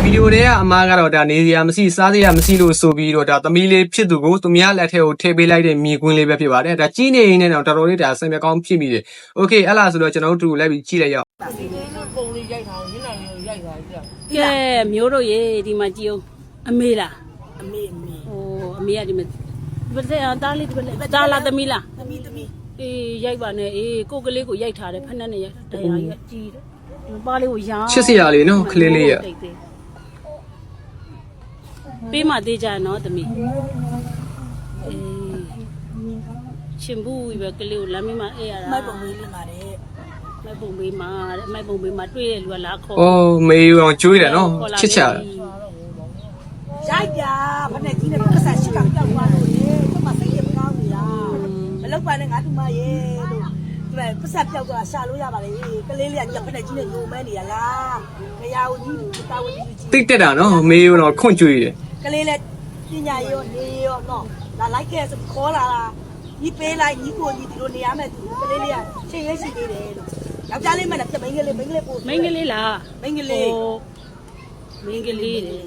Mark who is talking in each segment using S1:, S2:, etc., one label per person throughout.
S1: ဒီလိုတွေကအမားကတော့ဒါနေစရာမရှိစားစရာမရှိလို့ဆိုပြီးတော့ဒါသမီးလေးဖြစ်သူကိုသူများလက်ထဲကိုထည့်ပေးလိုက်တဲ့မြေကွင်းလေးပဲဖြစ်ပါတယ်ဒါကြီးနေရင်လည်းတော့တော်တော်လေးဒါဆင်မြကောင်းဖြစ်မိတယ်โอเคအဲ့လားဆိုတော့ကျွန်တော်တို့လိုက်ပြီးကြည့်လိုက်ရအောင်
S2: ပုံလေးရိုက်ထားအောင်ညနေလေးရိုက်ထားကြ
S3: ကဲမျိုးတို့ရေဒီမှာကြည့်အောင်အမေလား
S2: အမေ
S3: ဟိုအမေကဒီမှာဘယ်တဲ့တားလေးဒီဘက်တားလားသမီးလား
S2: သမီး
S3: အေးရိုက်ပါနဲ့အေးကိုကလေးကိုရိုက်ထားတယ်ဖက်နဲ့ရိုက်တရားကြီးကြီးတယ်ပါလေးကိုရောင်း
S1: ချစ်စရာလေးနော်ကလေးလေးရ
S3: ပေးမသေးကြနော်သမီးအေးရှင်ဘူးပဲကလေးကိုလမ်းမမအေးရတာ
S2: မိုက်ပုံလေးလေးမှာတဲ့
S3: မိုက်ပုံပေးမှာတဲ့မိုက်ပုံပေးမှာတွေ့ရလူကလာခေါ်
S1: အော်မေးအောင်ကျွေးတယ်နော်ချစ်ချာ
S2: ရိုက်ပြဖက်နဲ့ကြီးနဲ့ပတ်ဆက်ရှိကပြောက်သွားလို့လေကျမစိတ်ရမကောင်းဘူးလားမလောက်ပါနဲ့ငါတူမရဲ့လို့ဒီမဲ့ပတ်ဆက်ပြောက်သွားရှာလို့ရပါလေကလေးလေးကဖက်နဲ့ကြီးနဲ့ညိုမဲနေရလားမရဘူးကြီးတာဝန်ကြီးကြီး
S1: တိတ်တက်တာနော်မေးတော့ခွန့်ကျွေးတယ်
S2: ကလေးလေးပညာရောနေရောနော်လာလိုက်ခဲ့ဆိုခေါ်လာလားညီပေးလိုက်ညီကိုညီဒီလိုနေရမယ်သူကလေးလေးကချိန်ရရှိသေးတယ်လို့ယောက်ျားလေးမှလည်းမိန်းကလေးပို့
S3: မင်းကလေးလား
S2: မိန်းကလေး
S3: မင်းကလေးတယ်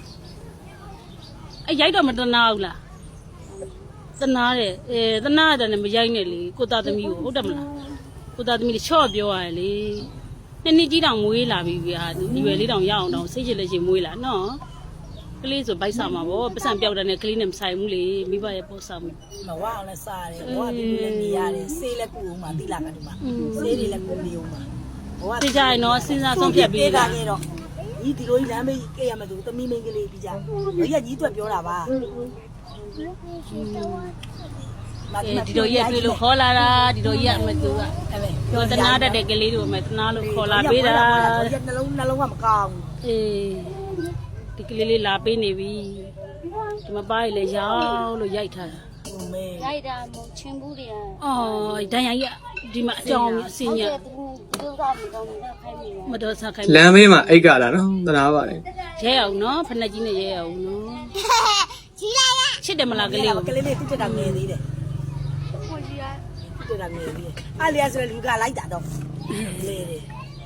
S3: အဲ့ရိုက်တော့မတနာဘူးလားတနာတယ်တနာတယ်လည်းမရိုက်နဲ့လေကိုသားသမီးကိုဟုတ်တယ်မလားကိုသားသမီးလေးချော့ပြောရတယ်လေနှစ်ကြီးတောင်မွေးလာပြီဗျာဒီရွယ်လေးတောင်ရအောင်တောင်စိတ်ချလက်ချင်မွေးလာနော်ကလေးဆိုဗိုက်ဆာမှာဗောပတ်စံပြောက်တဲ့နဲ့ကလေးနဲ့မဆိုင်ဘူးလေမိဘရဲ့ပို့ဆောင်မှု
S2: မဝအောင်လဲစားတယ်ဘဝဒီလိုလည်းနေရတယ်ဆေးလည်းကူအောင်ပါတိလာကဒီမှာဆေးတွေလည်းကူနေအောင်ပါဘဝ
S3: သိကြရင်တော့စဉ်းစားဆုံးဖြတ်ပြီးတာ
S2: ခဲ့တော့ညီဒီလိုကြီးလမ်းမေးကြည့်ရမယ်သူသမီးမိန်းကလေးပြီးကြညီကညီအတွက်ပြောတာပါ
S3: ဒီလိုရက်တွေ့လို့ခေါ်လာတာဒီလိုရက်မသူက
S2: အဲ့ပဲ
S3: ပြောတနာတတ်တဲ့ကလေးတို့မှတနာလို့ခေါ်လာပေးတာ
S2: နှလုံးကမကောင်း
S3: အေးဒီကလေးလေးလာပေးနေပြီဒီမပါရလေရောက်လို့ရိုက်ထားတာ
S2: ဘူးမေ
S4: ရိုက်တာမဟုတ်ချင်းဘူးတွေက
S3: အော်ဒဏ်ရာကြီးဒီမှာအကြောင်းအစင်းရ
S4: သူကမတော်ဘူးခိုင်းမိတယ်
S3: မတော်စားခိုင်း
S1: လမ်းမေးမှာအိတ်ကလာနော်တနာပါတယ်
S3: ရဲအောင်နော်ဖက်နှက်ကြီးနဲ့ရဲအောင်နော်ကြီးလာလားချစ်တယ်မလားကလေးကို
S2: ကလေးလေးတိတက်တာငယ်သေးတယ်
S4: ကိုကြီးက
S2: တိတက်တာငယ်သေးတယ်အားလျာဆိုလူကလိုက်တာတော့လေလေ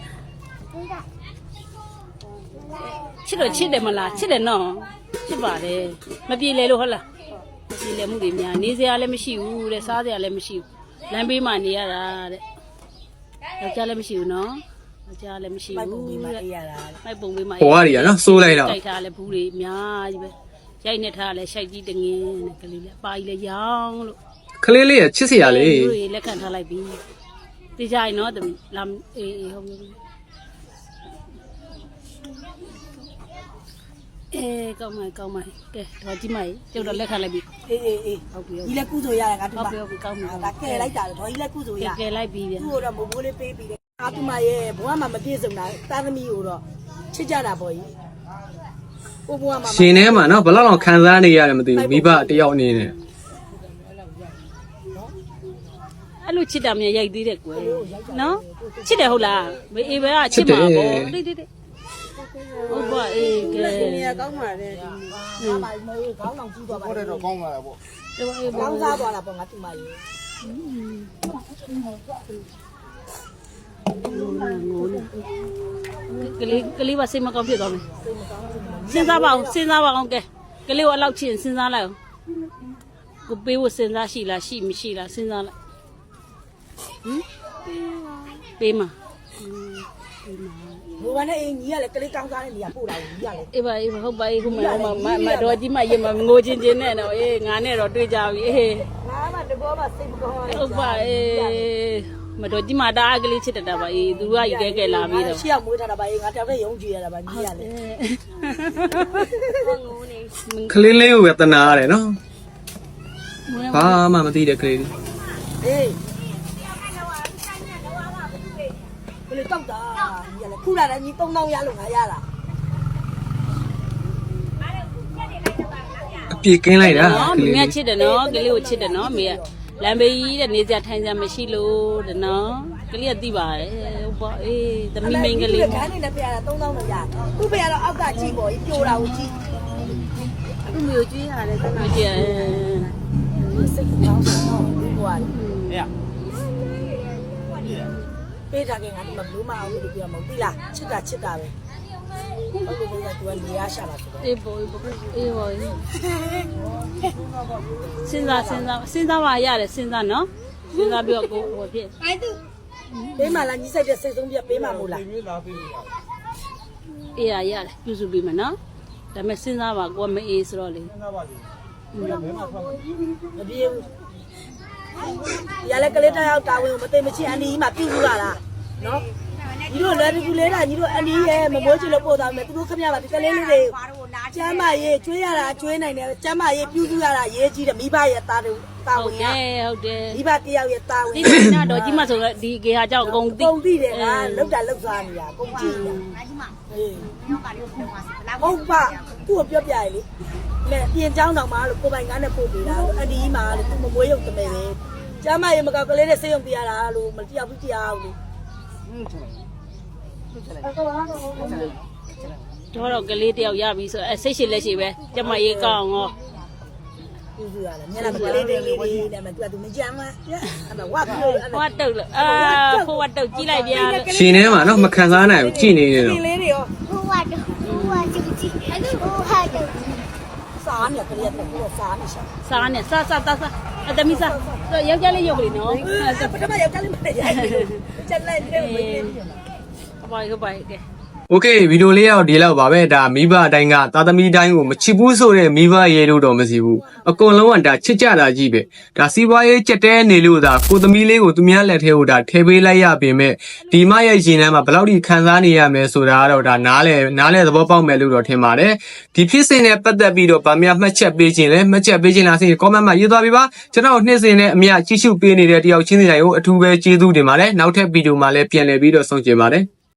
S3: ချစ်တော့ချစ်တယ်မလားချစ်တယ်နော်ချစ်ပါတယ်မပြေလေလို့ဟုတ်လားမပြေလေမှုတွေများနေစရာလည်းမရှိဘူးတဲ့စားစရာလည်းမရှိဘူးလမ်းဘေးမှာနေရတာတဲ့ယောက်ျားလည်းမရှိဘူးနော်ယောက်ျားလည်းမရှိ
S2: မိုက်ပုံ
S3: ဘူး
S2: ပြီးမှ
S3: တဲ့
S2: အေးရတာ
S3: မိုက်ပုံပေးမှာ
S1: ဘဝတွေကနော်စိုးလိုက်တော့
S3: ကြိုက်ထားလဲဘူးတွေအများကြီးပဲရိုက်နေထားလဲရှိုက်ကြီးတငင်းနဲ့ကလေးလေးအပါကြီးလဲရောင်းလို့
S1: ကလေးလေးရချစ်စရာလေး
S3: တွေလက်ခံထားလိုက်ပြီသိကြရင်နော်တမီးလာအေးဟုတ်ပြီကောင်းမယ်ကဲတော့ကြည့်မကျုပ်တော့လက်ခံလိုက်ပြီ
S2: အေးဟုတ်ပြီဒီလက်ကုဆိုရတယ်ငါတူမ
S3: ဟုတ်ပြီကောင်းပြီ
S2: ဒါကဲလိုက်တာတော့ဒီလက်ကုဆိုရ
S3: ကဲလိုက်ပြီဗျာ
S2: သူ့ကိုတော့မိုးမိုးလေးပေးပြီးတယ်အာတူမရဲ့ဘဝမှာမပြည့်စုံတာတာသမီးကိုတော့ချစ်ကြတာပေါ့ကြီးဘဝမှာ
S1: ရှင်ထဲမှာနော်ဘယ်လောက်ခံစားနေရတယ်မသိဘူးမိဘတယောက်အနေနဲ့
S3: အဲ့လိုချစ်တာမြန်ရိုက်သေးတယ်ကွယ်နော်ချစ်တယ်ဟုတ်လားမေအေးပဲကချစ်မှာပေါ့တိတိဟုတ်ပါအေးကဲ
S2: နေရကောင်းပါလေဟာပါမိုးခေါင်းအောင်ကြည့်သွားပါဟုတ်တယ်တော့ကောင်းလာတာပေါ့
S3: အေး
S2: ကောင်းစားသွားတာပေါ့ငါတူမရဲ့
S3: ကလေးပါစိတ်မကောင်းဖြစ်သွားမယ်စဉ်းစားပါအောင်ကဲကလေးကိုအလောက်ချစ်စဉ်းစားလိုက်အောင်ကိုပေးဖို့စဉ်းစားရှိလားရှိမရှိလားစဉ်းစားလိုက်ဟမ်ပေးမ
S2: ဘဝနဲ့အင်းကြီးကလည်းကလေးကောင်းစားတဲ့နေရာပို့တာကြီးကလည်း
S3: အေးပါဟုတ်ပါခုမှမတော်ကြီးမရင်မငိုချင်းချင်းနဲ့တော့အေးငါနဲ့တော့တွေ့ကြပြီအေး
S2: ငါမှတဘောမှစိတ်မကောင်းဘူး
S3: ဟုတ်ပါအေးမတော်ကြီးမတားကလေးချစ်တတ်ပါအေးသူကယူခဲ့လာပြီးတော့
S2: ရှေ့ကမွေးထားတာပါအေးငါတောက်တဲ့ရုံးကြည့်ရတာပါကြီးရလေ
S4: ငိုနေ
S1: ကလေးလေးကိုပဲတနာရတယ်နော်ဘာမှမသိတဲ့ကလေးလေး
S2: အေးဘယ်လိုတောက်တာကြီးရလေခုလာတယ်ညီ3000ရလို့ငါရတာ
S1: အပြည့်ကင်းလိုက်တာ
S3: နော်
S1: ကလေး
S3: မ
S1: လေး
S3: င်းချစ်တယ်နော်ကလေးကိုချစ်တယ်နော်မေကလမ်းဘေးကြီးတဲ့နေစရာထိုင်စရာမရှိလို့တဲ့နော်ကလေးကသိပါတယ်ဟုတ်ပါအေးသမီးမိန်းကလေး
S2: ခန်းနေနဲ့ပြရတာ3000လို့ရသူ့ပြရတော့အောက်ကကြည့်ပေါ့ပြိုတာကိုကြည့်သူ့မျိုးကြွေးရတယ်တခါ
S3: ကြည့်
S2: စိတ်ကောင်းတော့ဒီဘွားလေပေးတာကငါဒီမှာဘလူးမအောင်လို့ပြောမှာမဟုတ်ပြီလားချစ်တာပဲဟုတ်လို့သူကနေရရှာတာဆိုတော့
S3: အေးပေါ်အေးပေါ်စဉ်းစားပါရတယ်စဉ်းစားနော်စဉ်းစားပြီးတော့ကိုဟိုဖြစ်
S2: ပေးမှလားညီဆိုင်တဲ့စိတ်ဆုံးပြပေးမှမို့လား
S3: အေးရတယ်ပြုစုပြီးမယ်နော်ဒါပေမဲ့စဉ်းစားပါကိုကမအေးဆိုတော့လေ
S2: မပြေဘူးရလဲကလေးတယောက်တာဝန်ကိုမသိမချင်းအန်ဒီကြီးမှပြုစုရတာနော်ညီတို့လည်းဒီကူလေးတာညီတို့အန်ဒီရဲ့မမိုးချင်လို့ပို့သားမယ်သူတို့ခမရပါဒီကလေးလေးတွေကျမ်းမရေးကျွေးရတာကျွေးနိုင်တယ်ကျမ်းမရေးပြုစုရတာရေးကြီးတယ်မိဘရဲ့တာဝန်
S3: ဟုတ်တယ်ဟုတ်တယ်
S2: မိဘတယောက်ရဲ့တာဝန်
S3: ဒီနာတော့ကြီးမဆိုတော့ဒီကေဟာကြောင့်အကုန်သိ
S2: ပုံသိတယ်ကလောက်တာလောက်စားနေတာပုံကြည့်နေတာအေးဟုတ်ပါသူ့ကိုပြောပြရလေနဲ့ပြင်เจ้าတောင်မှာလို့ကိုပိုင်ကားနဲ့ပို့ပေးတာလို့အန်ဒီကြီးမှာလို့သူမမွေးရုံတမဲပဲကျမ်းမရေးမကောက်ကလေးနဲ့စေးရုံပြရတာလို့မတယောက်ဘူးတရားဘူး
S3: တော့ကလေးတယောက်ရပြီဆိုစိတ်ရှိလက်ရှိပဲကျမရေးကောင်းရော
S2: ပြုစုရတယ်မျက်နှာကလေးတွေလေးနဲ့မသူကသူမကြမ်းမအဲ့ဒါဝတ်ပြောအဲ့
S3: ဟိုတုတ်လို့ဟိုဝတ်တုတ်ကြီးလိုက်ပြန်
S1: ရှင်ထဲမှာနော်မခံစားနိုင်ဘူးကြည်နေနေတော့
S2: လေးတွေရော
S4: ဟိုဝါတော့ဟိုဝါကြည့်ကြည့်အဲ့ဟိုဟာတော့
S2: စားနေကလေးကတော့စားနေရှာ
S3: စားနဲ့စားအတမီစားယောက်ျားလေးရုပ်ကလေးနော်
S2: ပထမရောက်ကလေးမရရိုက်ချက်လိုက်တယ်ဝေးလေး
S3: ဟုတ်ပါကဲ
S1: โอเคဗီဒီယိုလေးရောက်ဒီလောက်ပါပဲဒါမိဘအတိုင်းကသားသမီးတိုင်းကိုမချစ်ဘူးဆိုတဲ့မိဘရေလို့တော့မရှိဘူးအကုန်လုံးကဒါချစ်ကြတာကြီးပဲဒါစီးပွားရေးကြက်တဲနေလို့ဒါကိုသမီးလေးကိုသူများလက်ထဲကိုဒါထည့်ပေးလိုက်ရပေမဲ့ဒီမရဲ့ရင်ထဲမှာဘယ်လောက်ထိခံစားနေရမယ်ဆိုတာကတော့ဒါနားလဲသဘောပေါက်မယ်လို့တော့ထင်ပါတယ်ဒီဖြစ်စဉ်နဲ့ပတ်သက်ပြီးတော့ဗာမြမှတ်ချက်ပေးခြင်းလဲမှတ်ချက်ပေးခြင်းလားဆိုရင် comment မှာရေးသွားပေးပါကျွန်တော်နှစ်စဉ်နဲ့အမြကြည့်ရှုပေးနေတဲ့တယောက်ချင်းစီတိုင်းကိုအထူးပဲကျေးဇူးတင်ပါတယ်နောက်ထပ်ဗီဒီယိုမှာလည်းပြန်လည်ပြီးတော့ဆုံကျင်ပါတယ်